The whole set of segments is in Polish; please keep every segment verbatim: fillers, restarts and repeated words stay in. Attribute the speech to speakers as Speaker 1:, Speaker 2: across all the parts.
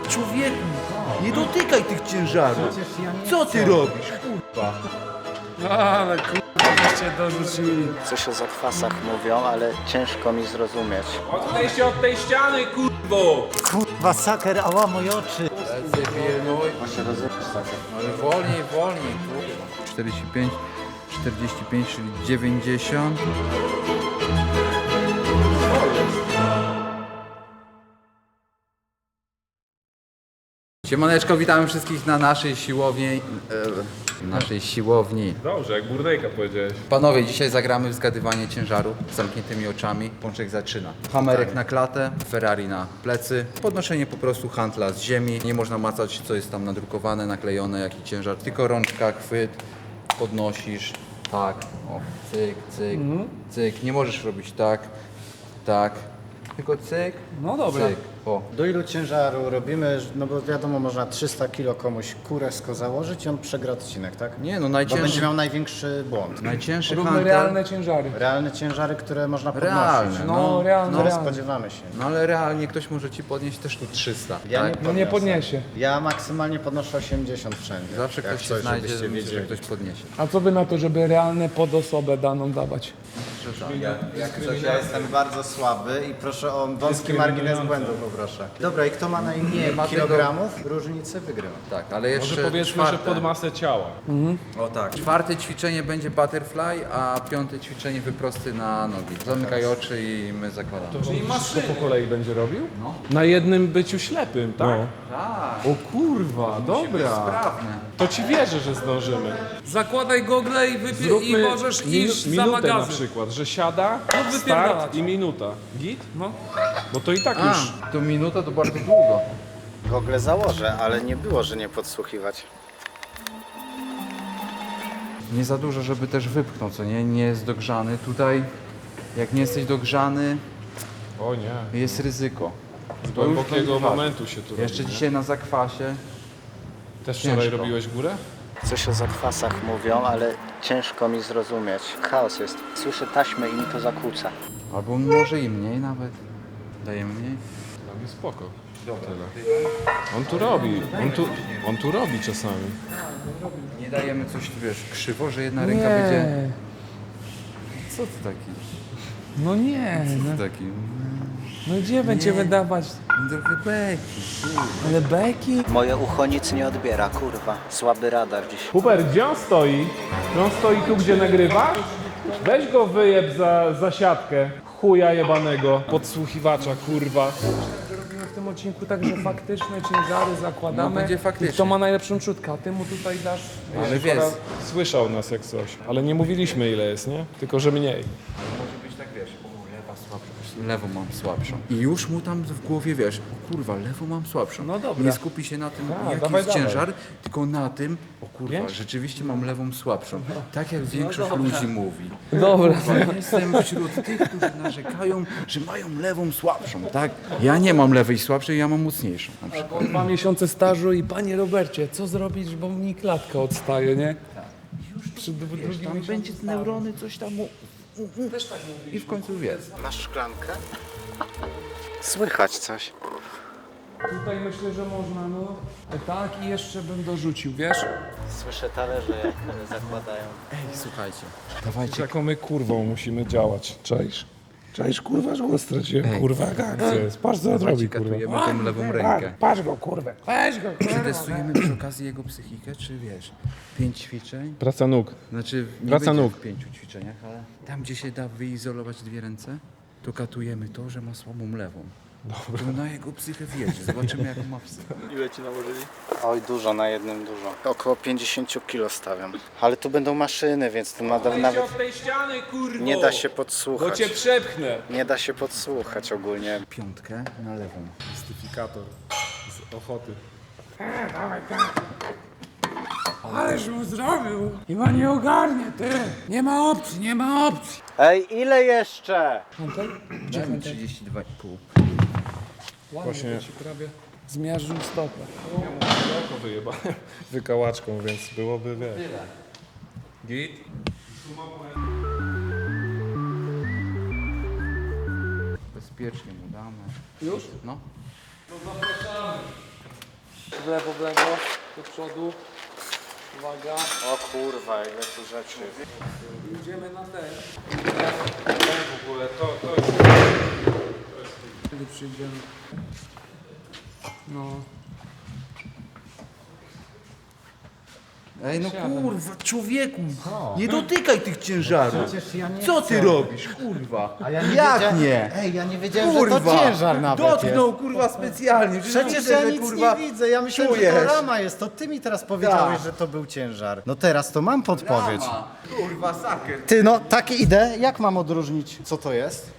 Speaker 1: Człowieku, nie dotykaj tych ciężarów. Co ty robisz, kurwa?
Speaker 2: Ale kurwa, cię dorzucili.
Speaker 3: Coś o zakwasach mówią, ale ciężko mi zrozumieć.
Speaker 2: Odejdź się od tej ściany, kurwo!
Speaker 4: Kurwa, saker, ała moje oczy.
Speaker 1: Pilnuj.
Speaker 3: Ma się rozumieć tak.
Speaker 1: Ale wolniej, wolniej, kurwa. czterdzieści pięć, czterdzieści pięć, czyli dziewięćdziesiąt. Siemaneczko, witamy wszystkich na naszej siłowni. E, naszej siłowni.
Speaker 2: Dobrze, jak burdejka powiedziałeś.
Speaker 1: Panowie, dzisiaj zagramy w zgadywanie ciężaru z zamkniętymi oczami. Pączek zaczyna. Hamerek na klatę, Ferrari na plecy. Podnoszenie po prostu handla z ziemi. Nie można macać, co jest tam nadrukowane, naklejone, jaki ciężar. Tylko rączka, chwyt, podnosisz. Tak, o, cyk, cyk, cyk. Nie możesz robić tak, tak. Tylko cyk,
Speaker 2: No dobra.
Speaker 1: cyk. O.
Speaker 4: Do ilu ciężaru robimy? No bo wiadomo, można trzysta kilo komuś kurewsko założyć i on przegra odcinek, tak?
Speaker 1: Nie no,
Speaker 4: Bo będzie
Speaker 1: najcięższy,
Speaker 4: miał największy błąd.
Speaker 1: najcięższy
Speaker 2: Róbmy
Speaker 1: handel.
Speaker 2: realne ciężary.
Speaker 4: Realne ciężary, które można podnosić.
Speaker 1: Realne,
Speaker 2: No,
Speaker 1: no.
Speaker 2: realne,
Speaker 4: No,
Speaker 2: realne.
Speaker 4: spodziewamy się.
Speaker 1: No ale realnie ktoś może ci podnieść też tu trzysta.
Speaker 4: Ja
Speaker 1: tak?
Speaker 4: nie
Speaker 2: No nie
Speaker 4: podniosę.
Speaker 2: podniesie.
Speaker 4: Ja maksymalnie podnoszę osiemdziesiąt wszędzie.
Speaker 1: Zawsze
Speaker 4: Jak
Speaker 1: ktoś
Speaker 4: coś,
Speaker 1: się znajdzie,
Speaker 4: żebyście
Speaker 1: myślę, że
Speaker 4: wiedzieli.
Speaker 1: ktoś podniesie.
Speaker 2: A co by na to, żeby realne pod osobę daną dawać?
Speaker 4: Jak coś, ja jestem bardzo słaby i proszę o wąski margines błędu, poproszę. Dobra, i kto ma najmniej
Speaker 1: ma tego-
Speaker 4: kilogramów różnicy, wygrywa.
Speaker 1: Tak, ale jeszcze
Speaker 2: Może powiedzmy,
Speaker 1: czwarte.
Speaker 2: że pod masę ciała.
Speaker 1: O tak. Czwarte ćwiczenie będzie butterfly, a piąte ćwiczenie wyprosty na nogi. Zamykaj oczy i my zakładamy.
Speaker 2: Czyli maszyny po kolei będzie robił? No. Na jednym byciu ślepym, tak?
Speaker 1: Tak,
Speaker 2: O kurwa, dobra.
Speaker 1: sprawne.
Speaker 2: To ci wierzę, że zdążymy.
Speaker 5: Zakładaj gogle i, wypie- i możesz
Speaker 2: minu-
Speaker 5: iść za
Speaker 2: minutę na
Speaker 5: magazy.
Speaker 2: przykład, że siada,
Speaker 5: No,
Speaker 2: start
Speaker 5: wypierdalać.
Speaker 2: i minuta. Git?
Speaker 5: No.
Speaker 2: Bo to i tak
Speaker 1: A,
Speaker 2: już...
Speaker 1: to minuta to bardzo długo.
Speaker 4: Gogle założę, ale nie było, że nie podsłuchiwać.
Speaker 1: Nie za dużo, żeby też wypchnął, co nie? Nie jest dogrzany. Tutaj, jak nie jesteś dogrzany,
Speaker 2: O nie.
Speaker 1: jest ryzyko.
Speaker 2: Z
Speaker 1: To już
Speaker 2: głębokiego
Speaker 1: będzie
Speaker 2: momentu się tu robi.
Speaker 1: Jeszcze dzisiaj na zakwasie.
Speaker 2: Też wczoraj
Speaker 1: ciężko.
Speaker 2: robiłeś górę?
Speaker 3: Coś o zakwasach mówią, ale ciężko mi zrozumieć. Chaos jest. Słyszę taśmę i mi to zakłóca.
Speaker 1: Albo może i mniej nawet. Dajemy mniej.
Speaker 2: Dla mnie spoko. Tyle. On tu robi, on tu, on tu robi czasami.
Speaker 1: Nie dajemy coś, wiesz, krzywo, że jedna ręka będzie...
Speaker 5: Nie.
Speaker 1: Co ty taki?
Speaker 5: No nie.
Speaker 1: Co
Speaker 5: No,
Speaker 1: ty taki?
Speaker 5: no gdzie będziemy dawać?
Speaker 1: Trochę beki.
Speaker 5: Ale beki?
Speaker 3: Moje ucho nic nie odbiera, kurwa. Słaby radar dziś.
Speaker 2: Huber, gdzie on stoi? Czy on stoi tu, gdzie nagrywa? Weź go wyjeb za, za siatkę. Chuja jebanego. Podsłuchiwacza, kurwa.
Speaker 5: Robimy w tym odcinku tak, że faktyczne ciężary zakładamy.
Speaker 1: No, będzie
Speaker 5: I
Speaker 1: faktycznie.
Speaker 5: kto ma najlepszą czutkę, a ty mu tutaj dasz...
Speaker 1: Ale wiesz,
Speaker 2: Słyszał nas jak coś. Ale nie mówiliśmy ile jest, nie? Tylko, że mniej.
Speaker 1: może być tak, wiesz, o, lewa słabsza, lewą mam słabszą. I już mu tam w głowie, wiesz, o kurwa, lewą mam słabszą.
Speaker 5: No dobra.
Speaker 1: Nie skupi się na tym,
Speaker 2: Tak,
Speaker 1: jaki
Speaker 2: dawaj,
Speaker 1: jest
Speaker 2: dawaj.
Speaker 1: ciężar, tylko na tym, o kurwa,
Speaker 2: Pięć?
Speaker 1: rzeczywiście mam lewą słabszą.
Speaker 5: No.
Speaker 1: Tak jak większość ludzi mówi.
Speaker 5: Dobra.
Speaker 1: Kurwa, jestem wśród tych, którzy narzekają, że mają lewą słabszą, tak? Ja nie mam lewej słabszej, ja mam mocniejszą. Na przykład.
Speaker 5: Dwa miesiące stażu i panie Robercie, co zrobić, bo mi klatka odstaje, nie? Już przy dru- drugim
Speaker 1: Tam
Speaker 5: miesiącu
Speaker 1: będzie
Speaker 5: stażu.
Speaker 1: neurony, coś tam mu...
Speaker 5: Też tak mówi.
Speaker 1: I w końcu jest.
Speaker 4: Masz szklankę? Słychać coś.
Speaker 5: Tutaj myślę, że można, no. Tak i jeszcze bym dorzucił, wiesz?
Speaker 3: Słyszę talerze, jak zakładają.
Speaker 1: Ej, słuchajcie, dawajcie.
Speaker 2: Jaką my kurwą musimy działać. Czaisz? Czaisz kurwa, że go straciłem.
Speaker 1: Ej.
Speaker 2: Kurwa, jaka akcja jest. Patrz co on
Speaker 1: Dawajcie,
Speaker 2: robi, kurwa.
Speaker 1: katujemy tą lewą rękę.
Speaker 2: Patrz go, kurwa. Weź go, kurwa.
Speaker 1: Przetestujemy przy okazji jego psychikę, czy wiesz, pięć ćwiczeń,
Speaker 2: Praca nóg.
Speaker 1: znaczy nie
Speaker 2: Praca
Speaker 1: będzie
Speaker 2: nóg.
Speaker 1: w pięciu ćwiczeniach, ale tam, gdzie się da wyizolować dwie ręce, to katujemy to, że ma słabą lewą. Dobra. To na jego psychę wjedzie, zobaczymy jaką ma psychę.
Speaker 4: Oj, dużo, na jednym dużo. Około pięćdziesiąt kilo stawiam. Ale tu będą maszyny, więc tu ma nawet
Speaker 2: od tej ściany, kurwo.
Speaker 4: nie da się
Speaker 2: Bo
Speaker 4: podsłuchać.
Speaker 2: cię przepchnę.
Speaker 4: Nie da się podsłuchać ogólnie.
Speaker 1: Piątkę na lewą.
Speaker 2: Mistyfikator z ochoty.
Speaker 5: Ależ mu zrobił! Chyba nie ogarnie, ty! Nie ma opcji, nie ma opcji!
Speaker 4: Ej, ile jeszcze?
Speaker 1: Dajmy trzydzieści dwa i pół.
Speaker 2: Właśnie
Speaker 5: Prawie zmiażdżył stopę.
Speaker 2: oko wyjebałem wykałaczką, więc byłoby, wiesz. Git?
Speaker 1: Bezpiecznie mu damy.
Speaker 5: Już?
Speaker 1: No.
Speaker 5: w lewo, w lewo, do przodu. Uwaga.
Speaker 3: O kurwa, ile tu rzeczy.
Speaker 5: Idziemy na ten.
Speaker 2: W ogóle to, to jest...
Speaker 5: Kiedy przyjdziemy. No.
Speaker 1: Ej, no
Speaker 5: Siadam.
Speaker 1: kurwa, człowieku, nie dotykaj tych ciężarów.
Speaker 4: Przecież ja nie
Speaker 1: Co
Speaker 4: chcę.
Speaker 1: ty robisz, kurwa?
Speaker 4: A ja nie
Speaker 1: Jak
Speaker 4: wiedziałem-
Speaker 1: nie?
Speaker 4: Ej, ja nie wiedziałem, że
Speaker 1: Kurwa,
Speaker 4: to ciężar nawet
Speaker 1: dotknął,
Speaker 4: jest.
Speaker 1: kurwa, specjalnie.
Speaker 4: Przecież
Speaker 1: widzę,
Speaker 4: ja
Speaker 1: że,
Speaker 4: nic
Speaker 1: kurwa,
Speaker 4: nie widzę, ja myślałem, że
Speaker 1: czujesz.
Speaker 4: to rama jest, to ty mi teraz powiedziałeś,
Speaker 1: Tak.
Speaker 4: że to był ciężar. No teraz to mam podpowiedź.
Speaker 1: Rama. Kurwa, saker.
Speaker 4: Ty, no takie idę, jak mam odróżnić, co to jest?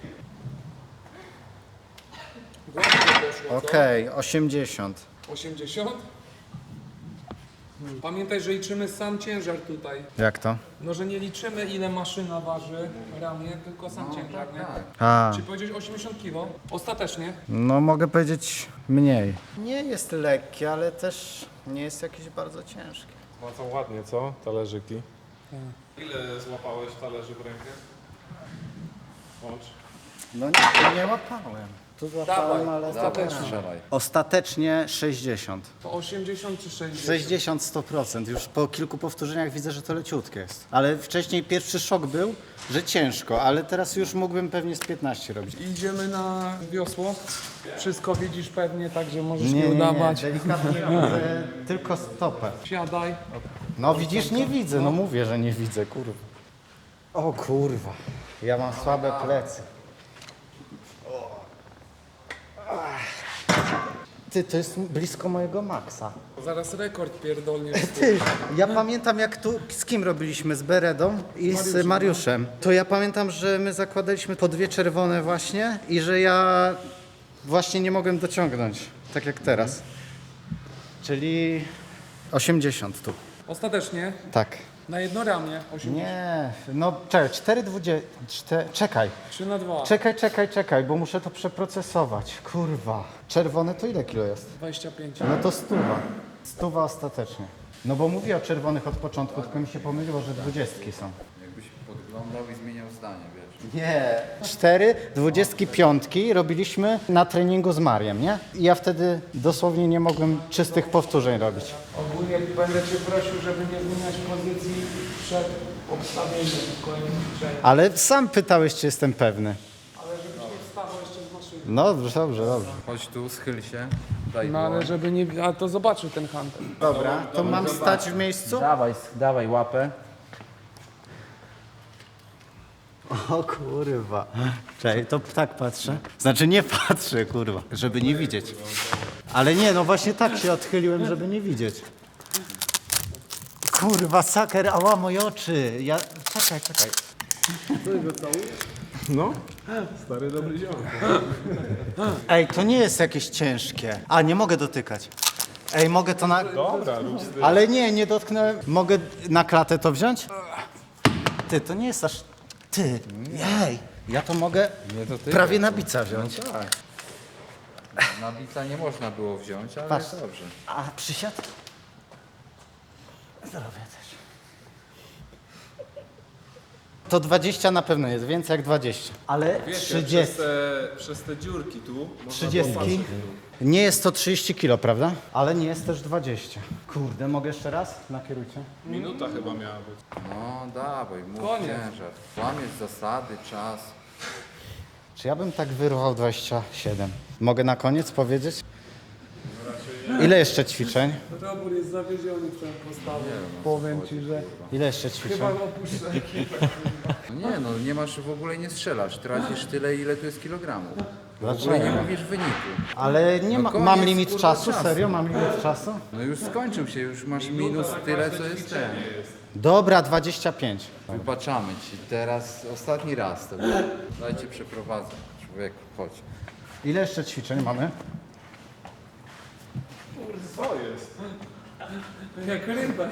Speaker 4: Okej, osiemdziesiąt.
Speaker 5: osiemdziesiąt? Pamiętaj, że liczymy sam ciężar tutaj.
Speaker 4: Jak to?
Speaker 5: No, że nie liczymy ile maszyna waży ramię, tylko sam ciężar, nie?
Speaker 4: A,
Speaker 5: Czy powiedzieć osiemdziesiąt kilo? Ostatecznie?
Speaker 4: no mogę powiedzieć mniej. Nie jest lekkie, ale też nie jest jakieś bardzo ciężkie.
Speaker 2: No co ładnie, co? Talerzyki. Ile złapałeś talerzy w rękę? Łącz.
Speaker 4: No nie, nie łapałem. Tu złapałem,
Speaker 5: Dawaj,
Speaker 4: ale...
Speaker 5: ostatecznie.
Speaker 1: Strzelaj.
Speaker 4: Ostatecznie sześćdziesiąt.
Speaker 5: To osiemdziesiąt czy sześćdziesiąt?
Speaker 4: sześćdziesiąt sto procent. Już po kilku powtórzeniach widzę, że to leciutkie jest. Ale wcześniej pierwszy szok był, że ciężko, ale teraz już mógłbym pewnie z piętnaście robić.
Speaker 5: Idziemy na wiosło. Wszystko widzisz pewnie, także możesz nie,
Speaker 4: Nie, nie, nie,
Speaker 5: udawać.
Speaker 4: delikatnie widzę tylko stopę.
Speaker 5: Siadaj.
Speaker 4: No widzisz, nie widzę, no mówię, że nie widzę, kurwa. O kurwa, ja mam słabe plecy. Ty, to jest blisko mojego maksa.
Speaker 5: Zaraz rekord pierdolnie.
Speaker 4: Ty, ja pamiętam jak tu, z kim robiliśmy, z Beredą i z Mariuszem. To ja pamiętam, że my zakładaliśmy po dwie czerwone właśnie i że ja właśnie nie mogłem dociągnąć, tak jak teraz. Czyli osiemdziesiąt tu.
Speaker 5: Ostatecznie
Speaker 4: Tak.
Speaker 5: na jedno ramię osiemdziesiąt.
Speaker 4: Nie, no czekaj, cztery dwudzie... Czte... Czekaj,
Speaker 5: trzy na dwa.
Speaker 4: czekaj, czekaj, czekaj, bo muszę to przeprocesować. Kurwa. Czerwone to ile kilo jest?
Speaker 5: dwadzieścia pięć.
Speaker 4: No to stuwa. Stuwa ostatecznie. No bo mówię o czerwonych od początku, tylko mi się pomyliło, że dwudziestki są.
Speaker 1: Jakbyś podglądał i zmieniał zdanie, wiesz.
Speaker 4: Nie. Cztery dwudziestki piątki robiliśmy na treningu z Mariem, nie? I ja wtedy dosłownie nie mogłem czystych powtórzeń robić.
Speaker 5: Ogólnie będę Cię prosił, żeby nie zmieniać pozycji przed obstawieniem w kolejnym ćwiczeniu.
Speaker 4: Ale sam pytałeś, czy jestem pewny.
Speaker 5: Ale żebyś nie wstawał jeszcze z maszyny.
Speaker 4: No dobrze, dobrze, dobrze.
Speaker 1: Chodź tu, schyl się, daj
Speaker 5: No ale
Speaker 1: dłoń.
Speaker 5: żeby nie... A to zobaczył ten hunter.
Speaker 4: Dobra, to mam stać w miejscu?
Speaker 1: Dawaj, dawaj łapę.
Speaker 4: O kurwa. Czekaj, to tak patrzę. Znaczy nie patrzę, kurwa, żeby nie widzieć. Ale nie, no właśnie tak się odchyliłem, żeby nie widzieć. Kurwa, saker, ała, moje oczy. Ja... Czekaj, czekaj.
Speaker 2: No, stary dobry ziom.
Speaker 4: Ej, to nie jest jakieś ciężkie. A, nie mogę dotykać. Ej, mogę to na...
Speaker 2: Dobra, rób z tym.
Speaker 4: Ale nie, nie dotknąłem. Mogę na klatę to wziąć? Ty, to nie jest aż... Ty, ej, ja to mogę
Speaker 1: Nie dotykaj.
Speaker 4: prawie na bica wziąć.
Speaker 1: Tak. Na bica nie można było wziąć, ale
Speaker 4: Patrz.
Speaker 1: dobrze.
Speaker 4: A przysiad? Zrobię też. To dwadzieścia na pewno jest, więcej jak dwadzieścia. Ale
Speaker 2: Wiecie,
Speaker 4: trzydzieści.
Speaker 2: Przez te, przez te dziurki tu można
Speaker 4: trzydzieści.
Speaker 2: popatrzeć.
Speaker 4: Nie jest to trzydzieści kilo, prawda? Ale nie jest też dwadzieścia. Kurde, mogę jeszcze raz? Nakierujcie.
Speaker 2: Minuta chyba miała być.
Speaker 1: No dawaj, mów
Speaker 5: Koniec.
Speaker 1: ciężar. Łamiesz zasady, czas.
Speaker 4: Czy ja bym tak wyrwał dwadzieścia siedem? Mogę na koniec powiedzieć? Ile jeszcze ćwiczeń?
Speaker 5: Robór jest zawiedziony twoją postawą. Powiem Ci, że
Speaker 4: Ile jeszcze ćwiczeń?
Speaker 5: chyba opuszczę ekipę.
Speaker 1: No nie no, nie masz w ogóle, nie strzelasz. Tracisz tyle, ile tu jest kilogramów. W ogóle
Speaker 4: Dlaczego?
Speaker 1: nie mówisz wyniku.
Speaker 4: Ale nie
Speaker 1: No
Speaker 4: ma,
Speaker 1: koniec,
Speaker 4: mam limit
Speaker 1: kurwa,
Speaker 4: czasu?
Speaker 1: czasu.
Speaker 4: Serio? Mam limit czasu?
Speaker 1: No już skończył się, już masz minus tyle, co jest ten.
Speaker 4: Dobra, dwadzieścia pięć.
Speaker 1: Wybaczamy ci. Teraz ostatni raz to było. Dajcie przeprowadzę. Człowieku, chodź.
Speaker 4: Ile jeszcze ćwiczeń mamy?
Speaker 2: Co jest?
Speaker 5: Jak rybę.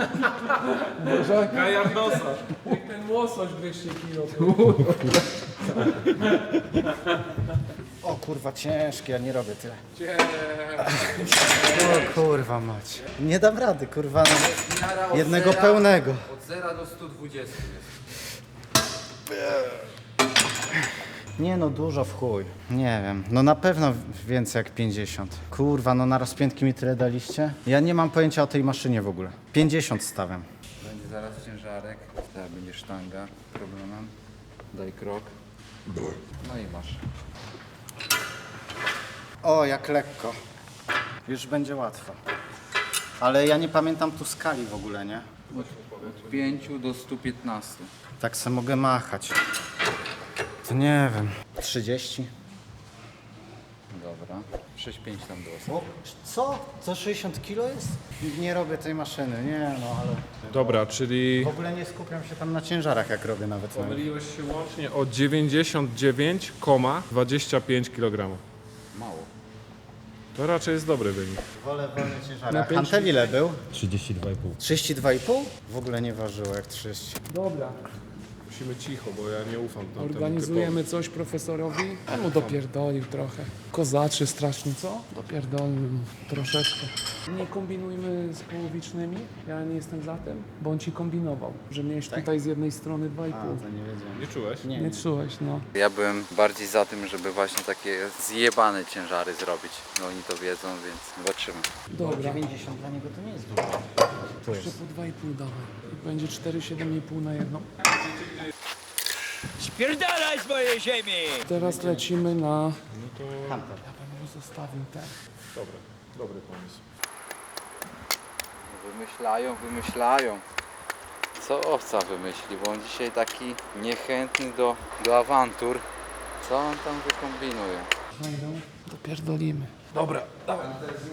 Speaker 2: Kajar nosa.
Speaker 5: Jak ten łosoś dwieście kilo.
Speaker 4: O kurwa, ciężkie, ja nie robię tyle.
Speaker 5: Cię...
Speaker 4: O kurwa mać. Nie dam rady, kurwa. No.
Speaker 1: Miara od
Speaker 4: Jednego
Speaker 1: zera-
Speaker 4: pełnego.
Speaker 1: Od zera do stu dwudziestu jest.
Speaker 4: Nie no, dużo w chuj. Nie wiem, no na pewno więcej jak pięćdziesiąt. Kurwa, no na rozpiętki mi tyle daliście? Ja nie mam pojęcia o tej maszynie w ogóle. pięćdziesiąt stawiam.
Speaker 1: Będzie zaraz ciężarek, teraz będzie sztanga problemem. Daj krok. No i masz.
Speaker 4: O, jak lekko. Już będzie łatwo. Ale ja nie pamiętam tu skali w ogóle, nie?
Speaker 1: Od pięciu do stu piętnastu.
Speaker 4: Tak se mogę machać. To nie wiem. trzydzieści?
Speaker 1: Dobra. sześć pięć tam było.
Speaker 4: O, co? To sześćdziesiąt kilo jest? Nie robię tej maszyny, nie no, ale...
Speaker 2: Dobra, czyli
Speaker 4: W ogóle nie skupiam się tam na ciężarach, jak robię nawet.
Speaker 2: pomyliłeś się łącznie o dziewięćdziesiąt dziewięć przecinek dwadzieścia pięć kilogramów.
Speaker 1: Mało.
Speaker 2: To raczej jest dobry wynik.
Speaker 4: Wolę wolne ciężary.
Speaker 2: Na
Speaker 4: A
Speaker 2: pięć-
Speaker 4: Hantel ile był?
Speaker 6: trzydzieści dwa i pół.
Speaker 4: trzydzieści dwa i pół? W ogóle nie ważyło jak trzydzieści.
Speaker 5: Dobra,
Speaker 2: Musimy cicho, bo ja nie ufam tamtemu
Speaker 5: organizujemy coś profesorowi. A mu dopierdolił trochę. Kozaczy strasznie, co? Dopierdolił mu troszeczkę. Nie kombinujmy z połowicznymi, ja nie jestem za tym, bo on ci kombinował, że miałeś tutaj z jednej strony dwa i pół.
Speaker 4: To nie wiedziałem.
Speaker 2: Nie czułeś?
Speaker 4: Nie,
Speaker 5: Nie czułeś, no.
Speaker 1: Ja byłem bardziej za tym, żeby właśnie takie zjebane ciężary zrobić. No oni to wiedzą, więc zobaczymy.
Speaker 5: Dobra,
Speaker 4: dziewięćdziesiąt dla niego to nie jest dużo. Tu
Speaker 5: jeszcze
Speaker 4: jest.
Speaker 5: po dwa i pół dawaj. I będzie cztery siedem i pół na jedną.
Speaker 7: Spierdalaj z mojej ziemi!
Speaker 5: Teraz lecimy na...
Speaker 2: No to
Speaker 4: Hunter.
Speaker 5: Ja bym mu zostawił ten.
Speaker 2: dobra, dobry pomysł.
Speaker 1: Wymyślają, wymyślają. Co owca wymyśli, bo on dzisiaj taki niechętny do, do awantur. Co on tam wykombinuje?
Speaker 5: Wejdą, dopierdolimy. Dobra, dawaj.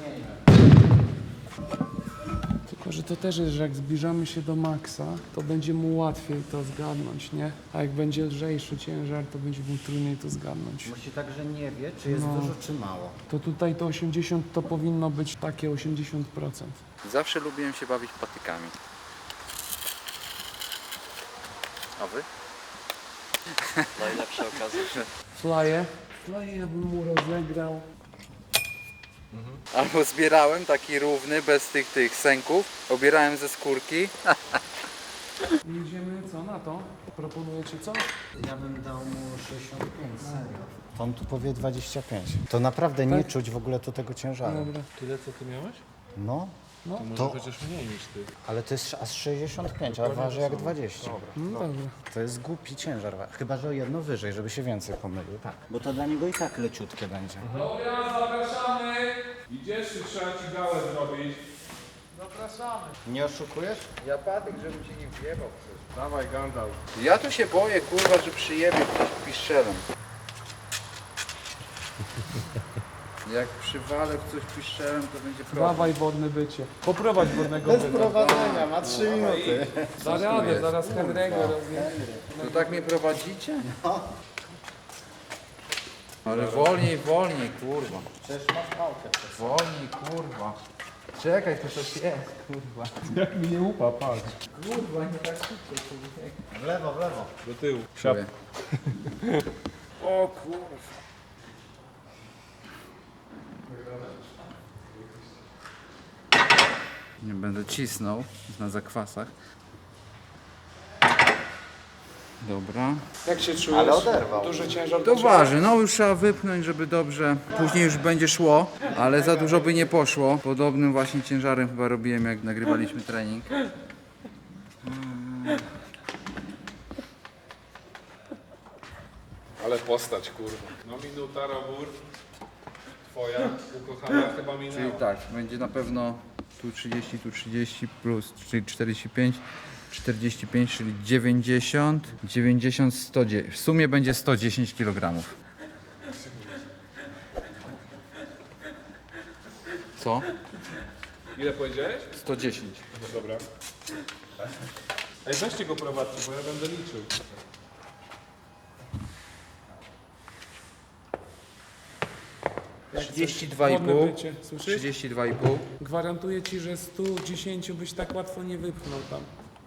Speaker 5: Tylko, że to też jest, że jak zbliżamy się do maksa, to będzie mu łatwiej to zgadnąć, nie? A jak będzie lżejszy ciężar, to będzie mu trudniej to zgadnąć.
Speaker 4: Musi także nie wie, czy jest
Speaker 5: No.
Speaker 4: dużo, czy mało.
Speaker 5: To tutaj to osiemdziesiąt to powinno być takie osiemdziesiąt procent.
Speaker 1: Zawsze lubiłem się bawić patykami. A wy?
Speaker 3: Najlepsza okazja.
Speaker 5: Flaje? Flaje ja bym mu rozegrał.
Speaker 1: Albo zbierałem taki równy, bez tych tych sęków. Obierałem ze skórki.
Speaker 5: Jedziemy co na to? Proponujecie co?
Speaker 4: Ja bym dał mu sześćdziesiąt pięć, serio. On tu powie dwadzieścia pięć. To naprawdę nie czuć w ogóle tu tego ciężaru.
Speaker 5: Dobra.
Speaker 2: Tyle co ty miałeś?
Speaker 4: No,
Speaker 5: No,
Speaker 2: To może
Speaker 4: To-
Speaker 2: chociaż mniej niż ty.
Speaker 4: ale to jest aż sześćdziesiąt pięć, a waży jak dwadzieścia.
Speaker 5: no dobra.
Speaker 4: To jest głupi ciężar, chyba że o jedno wyżej, żeby się więcej pomylił. Tak, bo to dla niego i tak leciutkie będzie.
Speaker 2: Dobra, zapraszamy! Idziesz, czy trzeba ci gałę zrobić?
Speaker 4: Nie oszukujesz?
Speaker 1: Ja patyk, żebym cię nie wjebał przecież.
Speaker 2: Dawaj, Gandalf.
Speaker 1: Ja tu się boję, kurwa, że przyjebie ktoś piszczelem. Jak przywalę w coś piszczelem, to będzie problem.
Speaker 5: Dawaj wodne bycie. Poprowadź wodnego bycia.
Speaker 4: Prowadzenia, ma trzy minuty.
Speaker 5: Da radę, zaraz Henry'ego rozjedzie.
Speaker 1: To tak mnie prowadzicie? Ale wolniej, wolniej, kurwa.
Speaker 4: Przecież masz pałkę.
Speaker 1: Wolniej, kurwa. Czekaj, to coś jest, kurwa.
Speaker 2: Jak mi nie upa, patrz.
Speaker 1: Kurwa, nie tak szybko, kurwa.
Speaker 4: W lewo, w lewo.
Speaker 2: Do tyłu.
Speaker 1: Czuję.
Speaker 5: O kurwa.
Speaker 1: Nie będę cisnął na zakwasach. Dobra.
Speaker 5: Jak się czujesz?
Speaker 4: Ale oderwał.
Speaker 5: Duży ciężar
Speaker 1: To waży, no już trzeba wypchnąć, żeby dobrze. Później już będzie szło, ale za dużo by nie poszło. Podobnym właśnie ciężarem chyba robiłem, jak nagrywaliśmy trening.
Speaker 2: Ale postać, kurwa. No minuta, Robur. Twoja ukochana chyba
Speaker 1: Czyli
Speaker 2: minęła.
Speaker 1: tak, będzie na pewno tu trzydzieści, tu trzydzieści plus, czyli czterdzieści pięć, czterdzieści pięć, czyli dziewięćdziesiąt, dziewięćdziesiąt, sto dziesięć. W sumie będzie sto dziesięć kilogramów. Co?
Speaker 2: Ile powiedziałeś?
Speaker 1: sto dziesięć.
Speaker 2: No dobra. Ej, weźcie go prowadźcie, bo ja będę liczył.
Speaker 1: trzydzieści dwa i
Speaker 5: Wodne
Speaker 1: pół.
Speaker 5: bycie, słyszysz?
Speaker 1: trzydzieści dwa i pół.
Speaker 5: Gwarantuję ci, że sto dziesięć byś tak łatwo nie wypchnął tam.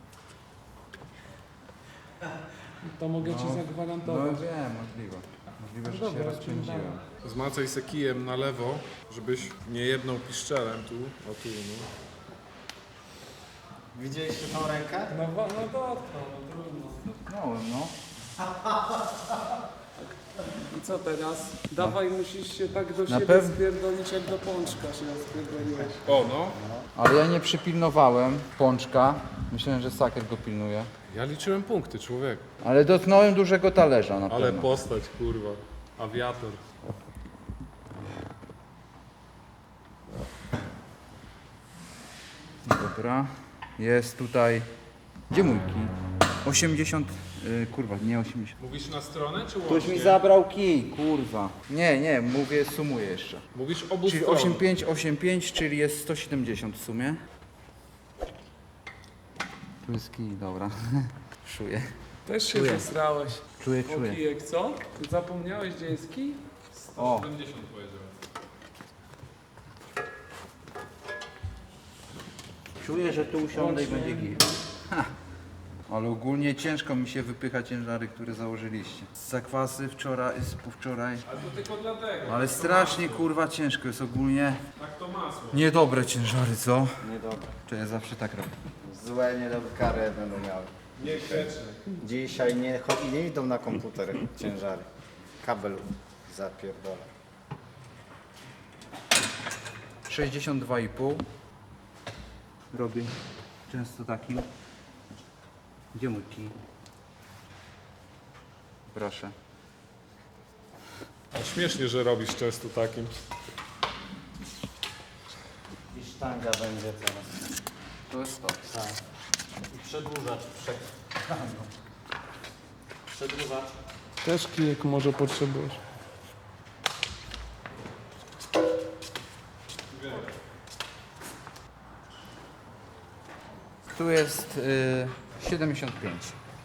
Speaker 5: To mogę ci
Speaker 1: No
Speaker 5: zagwarantować.
Speaker 1: wiem, możliwe. Możliwe, że się
Speaker 5: Dobra,
Speaker 1: rozpędziłem.
Speaker 2: Zmacaj se kijem na lewo, żebyś nie jedną piszczelem tu. O tu, no.
Speaker 4: Widzieliście tą rękę?
Speaker 5: No, wa- no dotknął, no trudno.
Speaker 1: Dotknąłem, no.
Speaker 5: I co teraz? Dawaj, musisz się tak do
Speaker 1: Na
Speaker 5: siebie
Speaker 1: pew-
Speaker 5: spierdolić jak do pączka się spierdoliłeś.
Speaker 2: O no,
Speaker 1: Ale ja nie przypilnowałem pączka. Myślałem, że Saker go pilnuje.
Speaker 2: ja liczyłem punkty, człowiek.
Speaker 1: Ale dotknąłem dużego talerza na
Speaker 2: Ale
Speaker 1: pewno.
Speaker 2: postać, kurwa. Awiator.
Speaker 1: Dobra. Jest tutaj... Gdzie mój kij? osiemdziesiąt... Yy, kurwa, nie osiemdziesiąt.
Speaker 2: Mówisz na stronę, czy
Speaker 1: Ktoś
Speaker 2: łącznie?
Speaker 1: mi zabrał kij, kurwa. Nie, nie, mówię, sumuję jeszcze.
Speaker 2: Mówisz obu
Speaker 1: Czyli
Speaker 2: stron.
Speaker 1: osiem pięć, osiem pięć, czyli jest sto siedemdziesiąt w sumie. Tu jest kij, dobra. Czuję.
Speaker 5: Też się
Speaker 1: Czuję.
Speaker 5: zesrałeś.
Speaker 1: Czuję,
Speaker 5: O
Speaker 1: czuję.
Speaker 5: kijek, co? Ty zapomniałeś, gdzie jest kij?
Speaker 1: O,
Speaker 2: siedemdziesiąt powiedziałem.
Speaker 1: czuję, że tu usiądę i
Speaker 5: Łącznie.
Speaker 1: będzie git. Ha. Ale ogólnie ciężko mi się wypycha ciężary, które założyliście. Z zakwasy wczoraj, z wczoraj.
Speaker 2: Ale to tylko dlatego.
Speaker 1: Ale strasznie kurwa ciężko jest ogólnie.
Speaker 2: Tak to masło.
Speaker 1: Niedobre ciężary, co?
Speaker 4: Niedobre.
Speaker 1: To ja zawsze tak robię.
Speaker 4: Złe, niedobre kary będą miały.
Speaker 2: Niegrzeczne.
Speaker 4: Dzisiaj nie, cho- nie idą na komputer ciężary. Kabel zapierdolę.
Speaker 1: sześćdziesiąt dwa i pół. Robię często takim. Gdzie mój kij? Proszę.
Speaker 2: A śmiesznie, że robisz często takim.
Speaker 4: I sztanga będzie teraz.
Speaker 1: To jest to.
Speaker 4: Tak. I przedłużacz. Prze... Przedłużacz.
Speaker 5: Też kijek może potrzebujesz.
Speaker 1: Tu jest y, siedemdziesiąt pięć.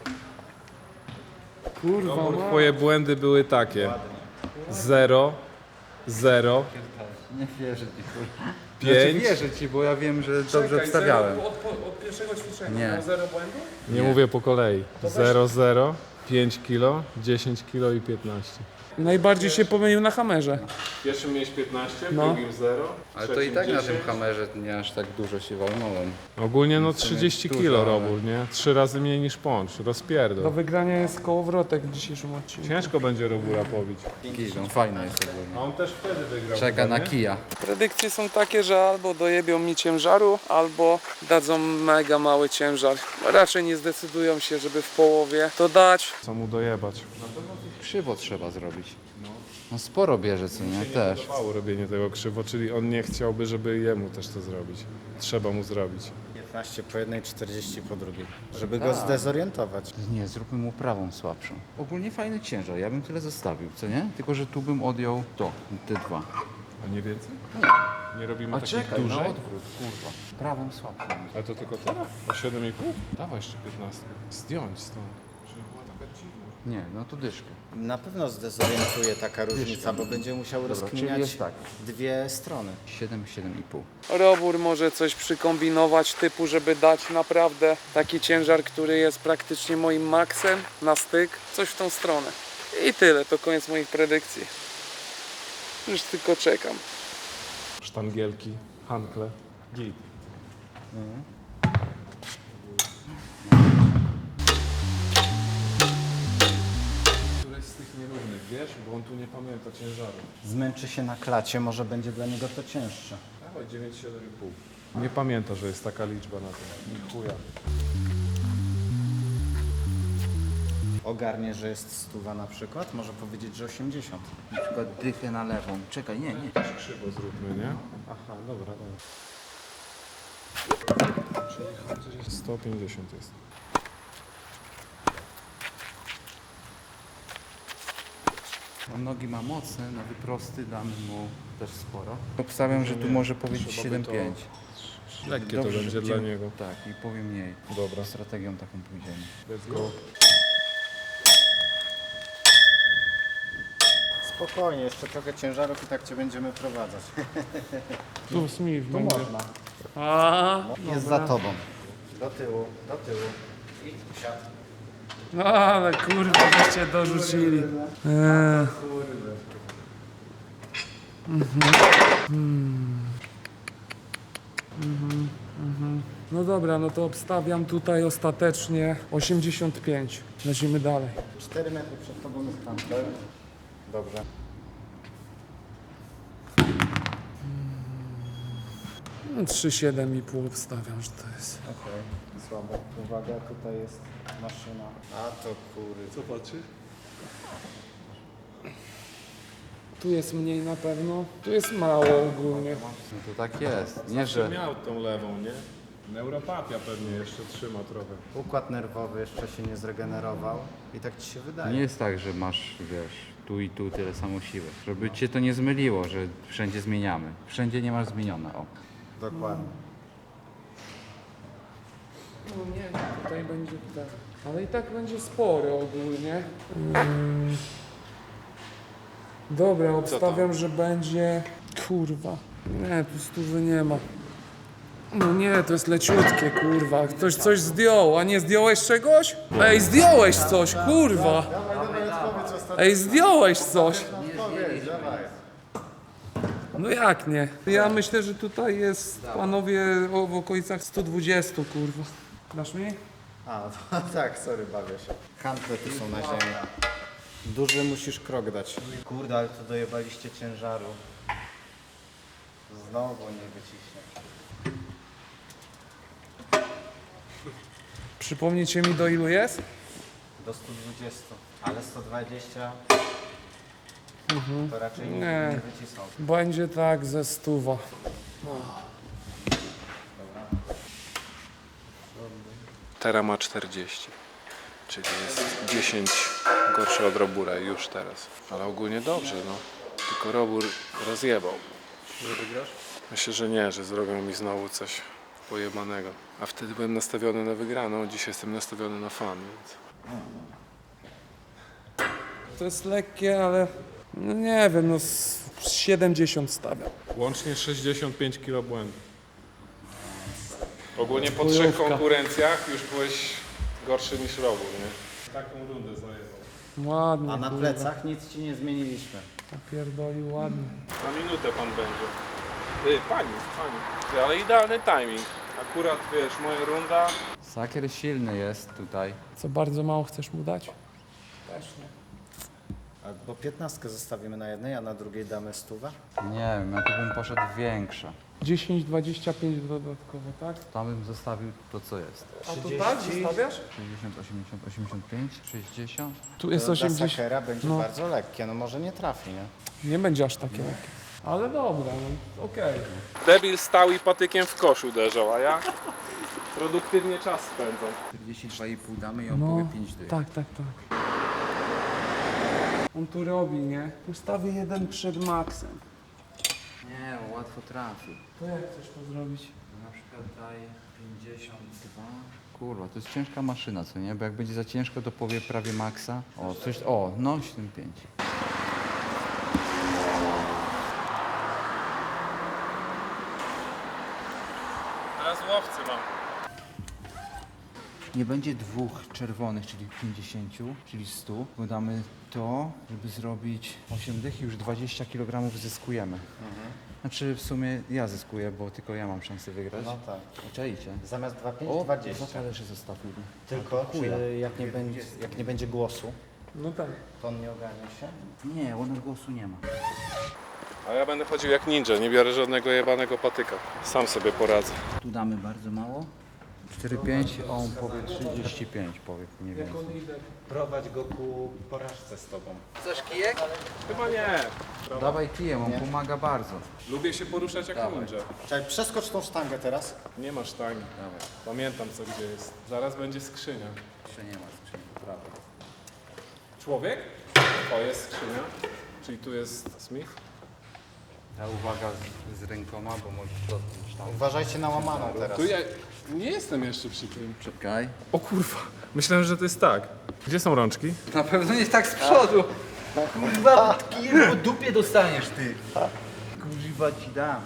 Speaker 5: Kurwa,
Speaker 2: Robór,
Speaker 5: ma.
Speaker 2: twoje błędy były takie. zero, zero,
Speaker 1: Nie wierzę ci, kurwa.
Speaker 2: pięć.
Speaker 1: Znaczy wierzę ci, bo ja wiem, że dobrze obstawiałem.
Speaker 5: Zero od, od pierwszego ćwiczenia.
Speaker 1: Nie.
Speaker 5: Miał zero błędu?
Speaker 2: Nie mówię po kolei. zero, zero, pięć kilo, dziesięć kilo i piętnaście.
Speaker 5: Najbardziej się pomylił na hamerze.
Speaker 2: W pierwszym miałeś piętnaście, w
Speaker 5: No.
Speaker 2: drugim zero.
Speaker 1: Ale to i tak na tym kamerze nie aż tak dużo się walnąłem.
Speaker 2: Ogólnie no
Speaker 1: W sumie
Speaker 2: trzydzieści
Speaker 1: dużo,
Speaker 2: kilo
Speaker 1: ale-
Speaker 2: robór, nie? Trzy razy mniej niż pącz,
Speaker 5: Do
Speaker 2: rozpierdol.
Speaker 5: wygrania jest kołowrotek w dzisiejszym odcinku.
Speaker 2: Ciężko będzie robura pobić.
Speaker 1: Kij, on fajny jest
Speaker 2: A
Speaker 1: ogólnie.
Speaker 2: on też wtedy wygrał.
Speaker 1: Czeka
Speaker 2: chyba,
Speaker 1: na
Speaker 2: nie?
Speaker 1: kija.
Speaker 5: Predykcje są takie, że albo dojebią mi ciężaru, albo dadzą mega mały ciężar. Raczej nie zdecydują się, żeby w połowie to dać.
Speaker 2: Co mu dojebać?
Speaker 1: Krzywo trzeba zrobić. No sporo bierze, co nie? Też.
Speaker 2: Mało robienie tego krzywo, czyli on nie chciałby, żeby jemu też to zrobić. Trzeba mu zrobić.
Speaker 4: piętnaście po jednej, czterdzieści po drugiej. Żeby go zdezorientować.
Speaker 1: Nie, zróbmy mu prawą słabszą. Ogólnie fajny ciężar, ja bym tyle zostawił, co nie? Tylko, że tu bym odjął to, te dwa.
Speaker 2: A nie więcej? Nie robimy
Speaker 1: A
Speaker 2: takich
Speaker 1: czekaj, na
Speaker 2: dużych?
Speaker 1: odwrót, kurwa. Prawą słabszą.
Speaker 2: Ale to tylko tyle? O siedem i pół? Dawaj jeszcze piętnaście. Zdjąć stąd. Żeby była taka dziwna.
Speaker 1: Nie, no to dyszkę.
Speaker 4: Na pewno zdezorientuje taka różnica, bo będzie musiał
Speaker 1: czyli
Speaker 4: rozkminiać
Speaker 1: jest tak.
Speaker 4: dwie strony.
Speaker 1: siedem, siedem i pół.
Speaker 5: Robór może coś przykombinować typu, żeby dać naprawdę taki ciężar, który jest praktycznie moim maksem na styk. Coś w tą stronę. I tyle, to koniec moich predykcji. Już tylko czekam.
Speaker 2: Sztangielki, hankle, git. Któreś z tych nierównych, wiesz? Bo on tu nie pamięta ciężaru.
Speaker 4: Zmęczy się na klacie, może będzie dla niego to cięższe.
Speaker 2: Dawaj dziewięć, siedem i pół. Nie pamięta, że jest taka liczba na tym. Ni chuja.
Speaker 4: Ogarnie, że jest stuwa na przykład, może powiedzieć, że osiemdziesiąt.
Speaker 1: Na przykład dychę na lewą. Czekaj, nie, nie.
Speaker 2: Krzywo zróbmy, nie? Aha, dobra, dobra. Czyli sto pięćdziesiąt jest.
Speaker 1: On nogi ma mocne, na wyprosty damy mu też sporo. Obstawiam, że tu może powiedzieć
Speaker 2: Trzeba by
Speaker 1: siedem
Speaker 2: to-
Speaker 1: pięć.
Speaker 2: Lekkie to
Speaker 1: Dobrze,
Speaker 2: będzie
Speaker 1: że
Speaker 2: dla
Speaker 1: idziemy-
Speaker 2: niego.
Speaker 1: Tak, i powiem mniej.
Speaker 2: Dobra,
Speaker 1: Strategią taką pójdziemy.
Speaker 2: let's go.
Speaker 4: Spokojnie, jeszcze trochę ciężarów i tak cię będziemy prowadzać.
Speaker 5: Tu Smith
Speaker 4: Tu
Speaker 5: będzie.
Speaker 4: można.
Speaker 5: A,
Speaker 4: Jest za tobą. Do tyłu, do tyłu. I usiadł.
Speaker 5: no ale kurwa, żeście dorzucili. Eee. Mhm. Mhm. No dobra, no to obstawiam tutaj ostatecznie osiemdziesiąt pięć. Lecimy dalej.
Speaker 4: cztery metry przed tobą jest handler. Dobrze.
Speaker 5: No, trzy siedem i pół obstawiam, że to jest.
Speaker 4: Okej, słabo. Uwaga, tutaj jest maszyna. A to kury. Co patrzy?
Speaker 5: Tu jest mniej na pewno. Tu jest mało ogólnie.
Speaker 1: No to tak jest. Nie, że...
Speaker 2: Miał tą lewą, nie? Neuropatia pewnie jeszcze trzyma trochę.
Speaker 4: Układ nerwowy jeszcze się nie zregenerował i tak ci się wydaje.
Speaker 1: Nie jest tak, że masz, wiesz, tu i tu tyle samo siły. Żeby cię to nie zmyliło, że wszędzie zmieniamy. Wszędzie nie masz zmienione, o.
Speaker 4: Dokładnie.
Speaker 5: No nie, tutaj będzie tak. Ale i tak będzie spory ogólnie. Mm. Dobra, obstawiam, że będzie... Kurwa. Nie, tu stówy nie ma. No nie, to jest leciutkie, kurwa. Ktoś coś zdjął, a nie zdjąłeś czegoś? Ej, zdjąłeś coś, kurwa. Ej, zdjąłeś coś. No jak nie? Ja myślę, że tutaj jest, panowie, o, w okolicach sto dwadzieścia, kurwa. Dasz mi?
Speaker 4: A, to, tak, sorry, bawię się. Handle tu są na ziemi. Duży musisz krok dać. Kurde, ale tu dojebaliście ciężaru. Znowu nie wyciśnie.
Speaker 5: Przypomnijcie mi, do ilu jest?
Speaker 4: Do stu dwudziestu, ale sto dwadzieścia to raczej nie,
Speaker 5: Nie.
Speaker 4: nie wycisną.
Speaker 5: Będzie tak ze stuwa.
Speaker 2: Tera ma czterdzieści, czyli jest dziesięć gorszy od Robura już teraz. Ale ogólnie dobrze, no. Tylko Robur rozjebał. Że wygrasz? Myślę, że nie, że zrobią mi znowu coś pojebanego. A wtedy byłem nastawiony na wygraną, dzisiaj jestem nastawiony na fan, więc...
Speaker 5: To jest lekkie, ale no nie wiem, no z siedemdziesiąt stawiam.
Speaker 2: Łącznie sześćdziesiąt pięć kilo błędu. Ogólnie po
Speaker 5: Chujówka.
Speaker 2: trzech konkurencjach już byłeś gorszy niż Robur, nie? Taką rundę zajebał.
Speaker 5: Ładnie,
Speaker 4: A na
Speaker 5: kurwa.
Speaker 4: plecach nic ci nie zmieniliśmy.
Speaker 5: Napierdolił ładnie.
Speaker 2: Na minutę pan będzie. Ty, pani, pani. Ty, ale idealny timing. Akurat, wiesz, moja runda.
Speaker 1: Sakier silny jest tutaj.
Speaker 5: Co, bardzo mało chcesz mu dać? Też nie.
Speaker 4: Albo piętnastkę zostawimy na jednej, a na drugiej damy stówę.
Speaker 1: Nie wiem, ja tu bym poszedł większa.
Speaker 5: dziesięć, dwadzieścia pięć dodatkowo, tak?
Speaker 1: Tam bym zostawił to, co jest.
Speaker 5: A to tak zostawiasz?
Speaker 1: sześćdziesiąt, osiemdziesiąt, osiemdziesiąt pięć, sześćdziesiąt.
Speaker 5: Tu jest
Speaker 4: To dla
Speaker 5: osiemdziesiąt.
Speaker 4: sakera będzie
Speaker 5: no.
Speaker 4: bardzo lekkie, no może nie trafi, nie?
Speaker 5: Nie będzie aż takie lekkie. Ale dobra, no okej.
Speaker 2: Debil stał i patykiem w kosz uderzał, a ja produktywnie czas spędzam.
Speaker 1: czterdzieści dwa i pół damy i on
Speaker 5: No,
Speaker 1: powie pięć dych.
Speaker 5: tak, tak, tak. On tu robi, nie? Ustawię jeden przed maksem.
Speaker 1: Nie, on łatwo trafi.
Speaker 5: To jak chcesz to zrobić?
Speaker 1: Na przykład daj pięćdziesiąt dwa. Kurwa, to jest ciężka maszyna, co nie? Bo jak będzie za ciężko, to powie prawie maksa. O, coś, o, no siedemdziesiąt pięć.
Speaker 2: Teraz łowcy mam.
Speaker 1: Nie będzie dwóch czerwonych, czyli pięćdziesiąt, czyli sto, bo damy to, żeby zrobić osiem dych i już dwadzieścia kilogramów zyskujemy. Znaczy w sumie ja zyskuję, bo tylko ja mam szansę wygrać.
Speaker 4: No tak.
Speaker 1: Czajcie.
Speaker 4: Zamiast dwa pięć,
Speaker 1: O,
Speaker 4: dwadzieścia.
Speaker 1: dwa talerzy zostawili.
Speaker 4: Tylko
Speaker 1: chuja.
Speaker 4: czy jak nie, będzie, jak nie będzie głosu,
Speaker 5: No tak.
Speaker 4: to on nie ogarnie się?
Speaker 1: Nie, ona głosu nie ma.
Speaker 2: A ja będę chodził jak ninja, nie biorę żadnego jebanego patyka. Sam sobie poradzę.
Speaker 1: Tu damy bardzo mało. cztery pięć, a on powie trzydzieści pięć, powie mniej więcej.
Speaker 4: Prowadź go ku porażce z tobą.
Speaker 1: Chcesz kijek?
Speaker 2: Chyba nie.
Speaker 1: Dawaj kijem, on pomaga bardzo.
Speaker 2: Lubię się poruszać jak
Speaker 1: Dawaj.
Speaker 2: ninja.
Speaker 4: Czekaj, przeskocz tą sztangę teraz.
Speaker 2: Nie ma sztangi.
Speaker 1: Dawaj.
Speaker 2: Pamiętam co gdzie jest. Zaraz będzie skrzynia.
Speaker 1: Jeszcze nie ma skrzyni, prawo.
Speaker 2: Człowiek? O, jest skrzynia. Czyli tu jest Smith.
Speaker 1: Ta uwaga z, z rękoma, bo możesz dotknąć tam.
Speaker 4: Uważajcie na łamaną teraz.
Speaker 2: Tu ja nie jestem jeszcze przy tym.
Speaker 1: Czekaj.
Speaker 2: O kurwa. Myślałem, że to jest tak. Gdzie są rączki?
Speaker 1: Na pewno nie tak z przodu. Kurwa, kijem po dupie dostaniesz ty. Kurwa ci dam.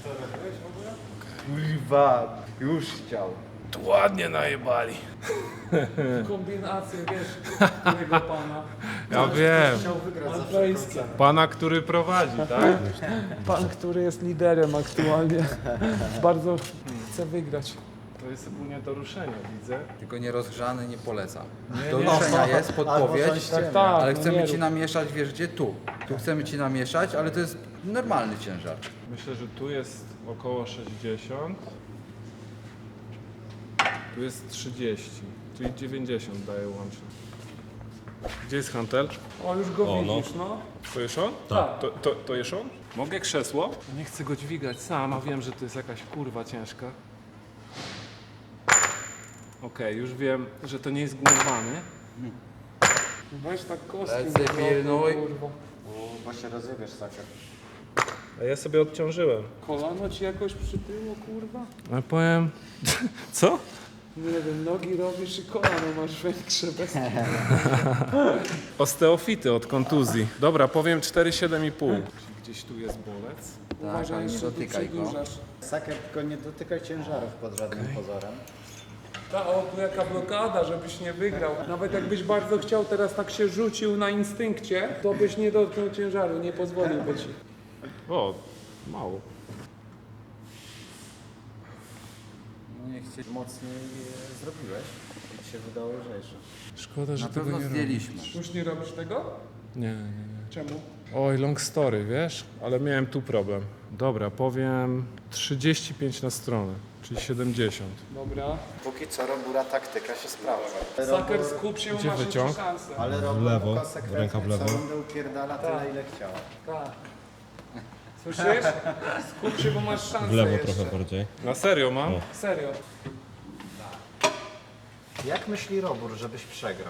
Speaker 1: Kurwa, już chciał.
Speaker 2: Tu ładnie najebali.
Speaker 5: Kombinację, wiesz, którego pana.
Speaker 2: Ja wiem.
Speaker 5: Alpejskie.
Speaker 2: Pana, który prowadzi, tak?
Speaker 5: Pan, który jest liderem aktualnie. Bardzo chce wygrać.
Speaker 2: To jest ogólnie do ruszenia, widzę.
Speaker 1: Tylko nie rozgrzany, nie polecam.
Speaker 2: Nie,
Speaker 1: Do
Speaker 2: nie.
Speaker 1: ruszenia jest podpowiedź,
Speaker 4: tak,
Speaker 5: tak,
Speaker 1: ale
Speaker 5: no
Speaker 1: chcemy
Speaker 5: nie
Speaker 1: ci
Speaker 5: rób.
Speaker 1: namieszać, wiesz gdzie? Tu. Tu chcemy ci namieszać, ale to jest normalny ciężar.
Speaker 2: Myślę, że tu jest około sześćdziesiąt. Tu jest trzydzieści, czyli dziewięćdziesiąt daje łącznie. Gdzie jest hantel?
Speaker 5: O, już go
Speaker 6: O, no.
Speaker 5: widzisz, no.
Speaker 2: To jest on?
Speaker 5: Tak.
Speaker 2: To, to, to jest on? Mogę krzesło? Nie chcę go dźwigać sam, a wiem, że to jest jakaś kurwa ciężka. Okej, już wiem, że to nie jest gumowany.
Speaker 5: Weź tak kostki.
Speaker 1: Lecę,
Speaker 5: mi
Speaker 1: pilnuj.
Speaker 5: kurwa.
Speaker 3: Bo się rozjebiesz, saker.
Speaker 2: A ja sobie odciążyłem.
Speaker 5: Kolano ci jakoś przytyło, kurwa?
Speaker 2: Ale powiem... Co?
Speaker 5: Nie wiem, nogi robisz i kolano masz większe bez...
Speaker 2: Osteofity od kontuzji. Dobra, powiem cztery siedem i pół. Czyli gdzieś tu jest bolec.
Speaker 5: Uważaj,
Speaker 1: ale nie
Speaker 5: że tu
Speaker 1: dotykaj go.
Speaker 5: przedłużasz.
Speaker 4: Saker, tylko nie dotykaj ciężarów pod żadnym pozorem.
Speaker 5: Ta, o, tu jaka blokada, żebyś nie wygrał. Nawet jakbyś bardzo chciał, teraz tak się rzucił na instynkcie, to byś nie dotknął ciężaru, nie pozwoliłby ci.
Speaker 2: O, mało.
Speaker 4: No nie chcę mocniej e, zrobiłeś. I ci się wydało lżejsze.
Speaker 2: Szkoda, że
Speaker 1: Na pewno zdjęliśmy.
Speaker 5: Już nie robisz tego?
Speaker 2: Nie, nie, nie.
Speaker 5: Czemu?
Speaker 2: Oj, long story, wiesz? Ale miałem tu problem. Dobra, powiem trzydzieści pięć na stronę, czyli siedemdziesiąt.
Speaker 5: Dobra.
Speaker 3: Póki co Robura taktyka się sprawdza.
Speaker 5: Saker, skup się, bo
Speaker 2: Gdzie
Speaker 5: masz jeszcze
Speaker 2: wyciąg?
Speaker 5: szansę.
Speaker 4: Ale Robo
Speaker 6: lewo,
Speaker 4: konsekwentnie
Speaker 6: ręka w lewo.
Speaker 4: co rundę upierdala tyle, ile chciała.
Speaker 5: Tak. Słyszysz? Skup się, bo masz szansę
Speaker 6: W lewo
Speaker 5: jeszcze.
Speaker 6: trochę bardziej.
Speaker 2: Na serio mam?
Speaker 6: O.
Speaker 5: Serio.
Speaker 4: Jak myśli Robur, żebyś przegrał?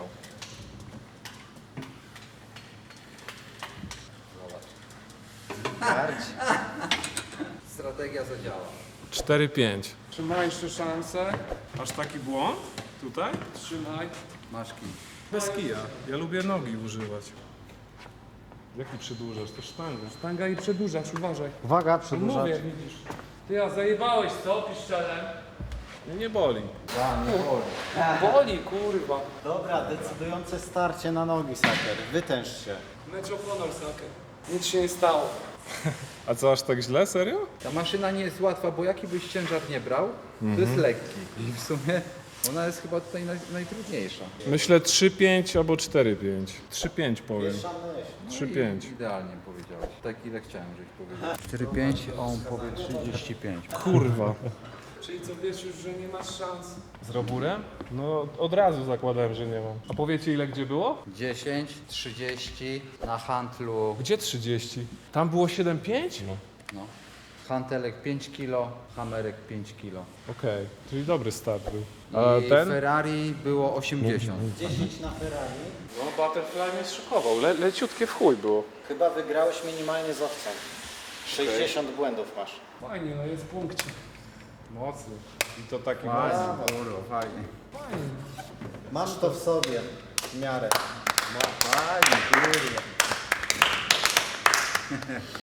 Speaker 4: Bardziej.
Speaker 1: Strategia zadziała.
Speaker 2: cztery pięć.
Speaker 5: Czy ma jeszcze szansę?
Speaker 2: Aż taki błąd? Tutaj?
Speaker 5: Trzymaj.
Speaker 1: Masz kij.
Speaker 2: Bez kija. Ja lubię nogi używać. Jaki przedłużasz? To sztangę.
Speaker 5: Sztanga i przedłużasz, uważaj.
Speaker 4: Uwaga,
Speaker 5: No
Speaker 4: przedłużać.
Speaker 5: mówię, widzisz. Ty, a zajebałeś co, piszczelem?
Speaker 2: Mnie nie boli.
Speaker 5: Boli, kurwa.
Speaker 4: Dobra, decydujące starcie na nogi, Saker. Wytęż się.
Speaker 5: Mecz of honor, Saker. Nic się nie stało.
Speaker 2: A co, aż tak źle? Serio?
Speaker 1: Ta maszyna nie jest łatwa, bo jaki byś ciężar nie brał, to jest lekki. I w sumie ona jest chyba tutaj naj, najtrudniejsza.
Speaker 2: Myślę trzy pięć albo cztery pięć. trzy pięć powiem. trzy pięć.
Speaker 1: Idealnie powiedziałeś. Tak ile chciałem, żeś powiedział. cztery pięć, a on powie trzydzieści pięć.
Speaker 2: Kurwa.
Speaker 5: Czyli co, wiesz już, że nie masz szans?
Speaker 2: Z Roburem? No od razu zakładałem, że nie mam. A powiecie ile gdzie było?
Speaker 1: dziesięć, trzydzieści na handlu.
Speaker 2: Gdzie trzydzieści? Tam było siedem pięć? No.
Speaker 1: No. Hantelek pięć kilo, hamerek pięć kilo.
Speaker 2: Okej, czyli dobry start był. A
Speaker 1: I
Speaker 2: ten?
Speaker 1: Ferrari było osiemdziesiąt.
Speaker 4: dziesięć na Ferrari.
Speaker 2: No Butterfly mnie szokował, Le leciutkie w chuj było.
Speaker 3: Chyba wygrałeś minimalnie z owcem. sześćdziesiąt błędów masz.
Speaker 5: Fajnie, no jest punkcik.
Speaker 2: Mocny. I to taki
Speaker 1: Fajnie,
Speaker 2: mocny.
Speaker 1: kurwa, fajnie.
Speaker 4: Masz to w sobie. W miarę.
Speaker 1: Fajnie, kurwa.